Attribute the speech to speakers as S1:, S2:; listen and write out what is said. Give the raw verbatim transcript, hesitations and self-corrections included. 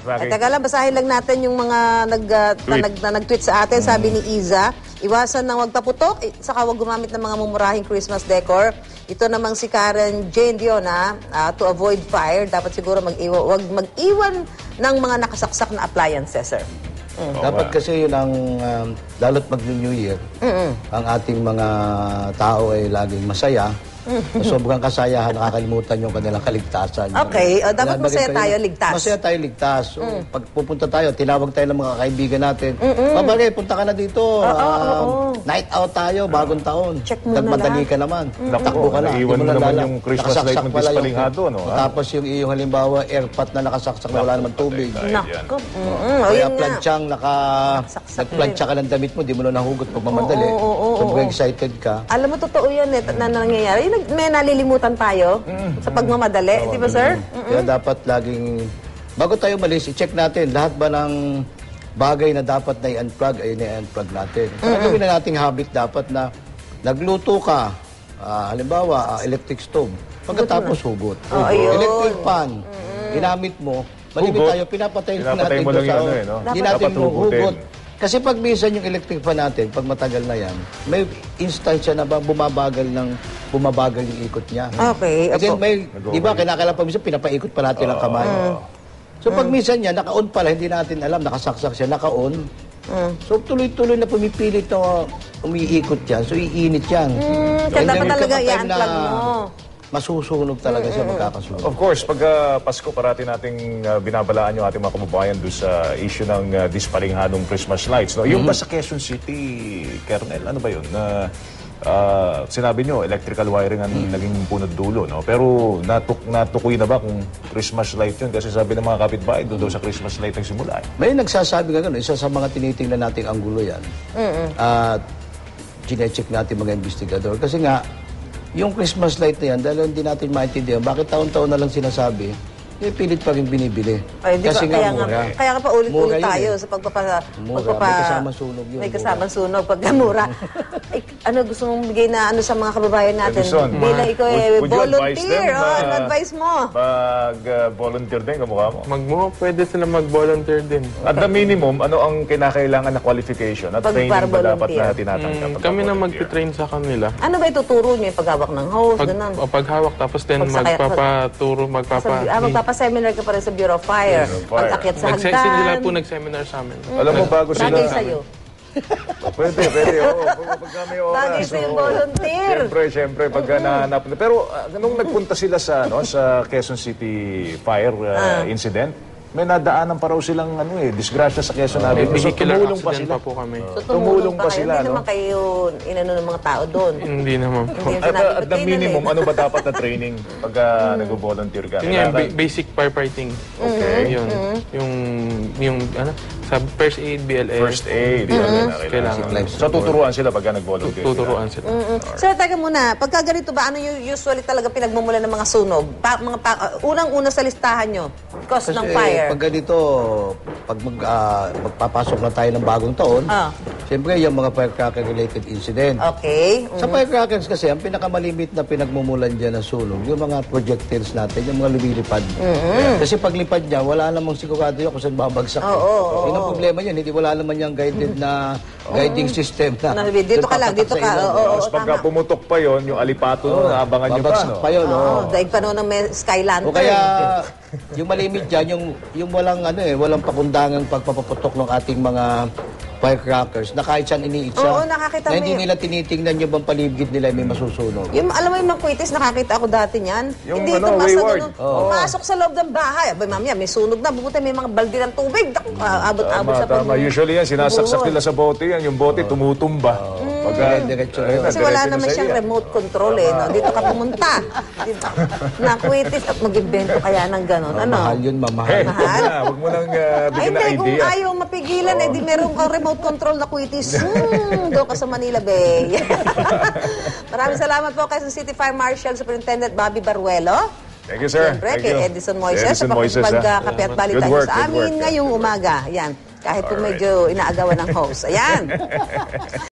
S1: Bakit?
S2: Ay, taga lang, basahin lang natin yung mga nag, uh, na, nag, na, nag-tweet sa atin. Sabi ni Iza, iwasan ng wag paputok, eh, saka wag gumamit ng mga mumurahing Christmas decor. Ito namang si Karen Jane Diona, uh, to avoid fire, dapat siguro mag-iwan, wag mag-iwan ng mga nakasaksak na appliances, sir.
S3: Mm. Dapat kasi yun ang, um, lalo't mag-New Year, mm-mm. ang ating mga tao ay laging masaya. Sa sobrang kasayahan, nakakalimutan yung kanilang kaligtasan.
S2: Okay, uh, dapat masaya tayo, ligtas.
S3: Masaya tayo, ligtas. So, mm. pag pupunta tayo, tinawag tayo ng mga kaibigan natin. Babagay, punta ka na dito.
S2: Oh,
S3: um,
S2: oh, oh, oh.
S3: Night out tayo, bagong taon.
S2: Check mo na
S3: Nagmadali ka naman.
S1: Mm.
S3: Takbo ka na.
S1: Iwan mo naman yung Christmas light mo dispalinghado, no?
S3: Tapos yung iyong halimbawa, airpot na nakasaksak na wala naman tubig.
S2: Nako.
S3: Kaya planchang, naka, nagplancha ka ng damit mo, di mo na nahugot pag mamadali. Sobrang excited ka.
S2: Alam mo, totoo yan eh, na nangyayari. May nalilimutan tayo mm. sa pagmamadali, oh, di ba, sir? Mm-mm.
S3: Kaya dapat laging, bago tayo malis, i-check natin lahat ba ng bagay na dapat na i-unplug ay na-unplug natin. Kaya mm-hmm. gawin na nating habit dapat na nagluto ka, uh, halimbawa, uh, electric stove, pagkatapos hugot.
S2: Oh,
S3: electric pan, mm-hmm. ginamit mo, malimit tayo, pinapatayin
S1: Pinapatay
S3: natin
S1: mo lang
S3: sa,
S1: ano, eh, no?
S3: Hindi natin hugot. Kasi pag minsan yung electric fan natin, pag matagal na yan, may instansya na ba bumabagal ng bumabagal yung ikot niya.
S2: Okay.
S3: Kasi may, di ba, kinakailangan pa minsan, pinapaikot pa natin ang kamay. Uh, so pag minsan yan, naka-on pala, hindi natin alam, nakasaksak siya, naka-on. Uh, so tuloy-tuloy na pumipilit na umiikot yan, so iinit yan.
S2: Mm, kaya dapat talaga i-unplug mo.
S3: Masusunog talaga siya, magkakasunog.
S1: Of course, pag uh, Pasko, parati nating uh, binabalaan yung ating mga kababayan doon sa issue ng uh, dispalinghadong Christmas lights. No? Yung mm-hmm. ba sa Quezon City, Kernel, ano ba yun? Uh, uh, sinabi nyo, electrical wiring ang mm-hmm. naging punot dulo. No? Pero natuk natukoy na ba kung Christmas light yun? Kasi sabi ng mga kapitbahay, doon daw sa Christmas light ang simula. Eh.
S3: May nagsasabi nga gano'n, isa sa mga tinitingnan nating anggulo yan. Mm-hmm. At chinecheck natin mga investigador. Kasi nga, yung Christmas light na yan, dahil hindi natin maintindihan, bakit taon-taon na lang sinasabi, eh, pilit pa rin binibili.
S2: Ay,
S3: kasi
S2: ba,
S3: nga mura.
S2: Nga, kaya nga pa ulit-ulit tayo
S3: eh.
S2: sa pagpapa...
S3: Mura,
S2: pagpapa,
S3: may kasamang sunog yun.
S2: May kasamang sunog pagka mura. Ay, ano gusto mong bigay na ano sa mga kababayan natin?
S1: Edison,
S2: bilang ikaw eh, volunteer.
S1: Them,
S2: oh, ano advice mo?
S1: Mag-volunteer uh, din, kamukha mo?
S4: Magmo, pwede sila mag-volunteer din.
S1: At the minimum, ano ang kinakailangan na qualification at
S2: pag
S1: training ba dapat na tinatanggap?
S4: Mm, kami na mag-train sa kanila.
S2: Ano ba ituturo niyo? Paghawak ng hose,
S4: pag,
S2: ganun?
S4: O paghawak, tapos din magpapaturo, magpapa...
S2: Ah, magpapaseminar ka pa rin sa Bureau of Fire. Pag-akyat sa hagdan.
S4: Sila po nag-seminar sa amin.
S1: Mm. Alam mo, bago sila...
S2: Bagay sa'yo.
S1: Pwede, pwede. Oo, pagka may oras.
S2: Bagay sa'yo, volunteer.
S1: Siyempre, siyempre, pagka nahanap. Pero uh, nung nagpunta sila sa, no, sa Quezon City fire uh, ah. incident, may nadaanan pa raw silang ano eh, disgrasya sa Quezon Avenue.
S4: So, tumulong
S1: pa sila.
S4: Pa po kami.
S2: So, tumulong pa sila,
S1: no?
S2: Hindi naman kayo inano ng mga tao doon.
S4: Hindi naman po.
S1: At, at the minimum, ano ba dapat na training pagka mm. nag-volunteer ka?
S4: Yun yan, basic firefighting. Okay. Yun. Yung, yung, ano, sa first aid, B L S.
S1: First aid. Mm-hmm. Kailangan. So, tuturuan sila pagka nag-volunteer.
S4: Tuturuan sila.
S2: Mm-hmm. Sir, taga muna, pagka ganito ba, ano yung usually talaga pinagmumula ng mga sunog? Pa, mga pa, uh, unang-una sa listahan nyo, cause
S3: Kasi,
S2: ng fire.
S3: Pag ganito, pag mag, uh, magpapasok na tayo ng bagong taon, ah. siyempre yung mga firecracker-related incident.
S2: Okay. Mm-hmm.
S3: Sa firecrackers kasi, ang pinakamalimit na pinagmumulan dyan ng sunog, yung mga projectiles natin, yung mga lumilipad. Mm-hmm. Kasi paglipad niya, wala namang sigurado yun kung saan babagsak.
S2: Oo, oo, oo.
S3: Yun ang problema yun, hindi wala naman yung guided na guiding system na.
S2: Dito ka lang, dito ka.
S1: Tapos pagka pumutok pa yun, yung alipato nun, naabangan nyo pa.
S3: Babagsak pa yun, oo.
S2: Daig pa noon ng may sky lantern.
S3: O kaya, yung malimit dyan, yung, yung walang, ano eh, walang pakundangang pagpapaputok ng ating mga firecrackers na kahit saan iniitsa.
S2: Oo, nakakita
S3: na hindi
S2: may...
S3: nila tinitingnan yung bang paligid nila may masusunog.
S2: Yung, alam mo yung mga kwitis, nakakita ako dati niyan.
S1: Yung
S2: hindi
S1: ano, wayward.
S2: Oh. Pumasok sa loob ng bahay. Abay, mamaya, may sunog na. Bubuti may mga balde ng tubig. Abot-abot sa pag...
S1: Usually yan, sinasaksak nila sa bote yan. Yung bote tumutumba. Oh. Pagka,
S3: diretso
S1: ayun,
S2: kasi wala naman siyang remote control eh. No? Dito ka pumunta. Nakwitis at mag-invento kaya ng gano'n.
S3: Oh,
S2: ano?
S3: Mahal yun, mamahal.
S1: Hey, mahal. Huwag mo nang uh, bigyan na idea.
S2: Ay, hindi. Kung ayaw mapigilan, oh. eh, di meron kang remote control na kwitis. Hmm, doon ka sa Manila Bay. Maraming salamat po kay City Fire Marshal Superintendent Bobby Baruelo.
S1: Thank you, sir.
S2: Siyempre,
S1: Thank
S2: kay
S1: you.
S2: Edison Moises
S1: Edison
S2: sa
S1: Moises,
S2: pagkape at balita
S1: work,
S2: sa amin
S1: work,
S2: ngayong umaga. Yan. Kahit po medyo inaagawan ng host. Ayan.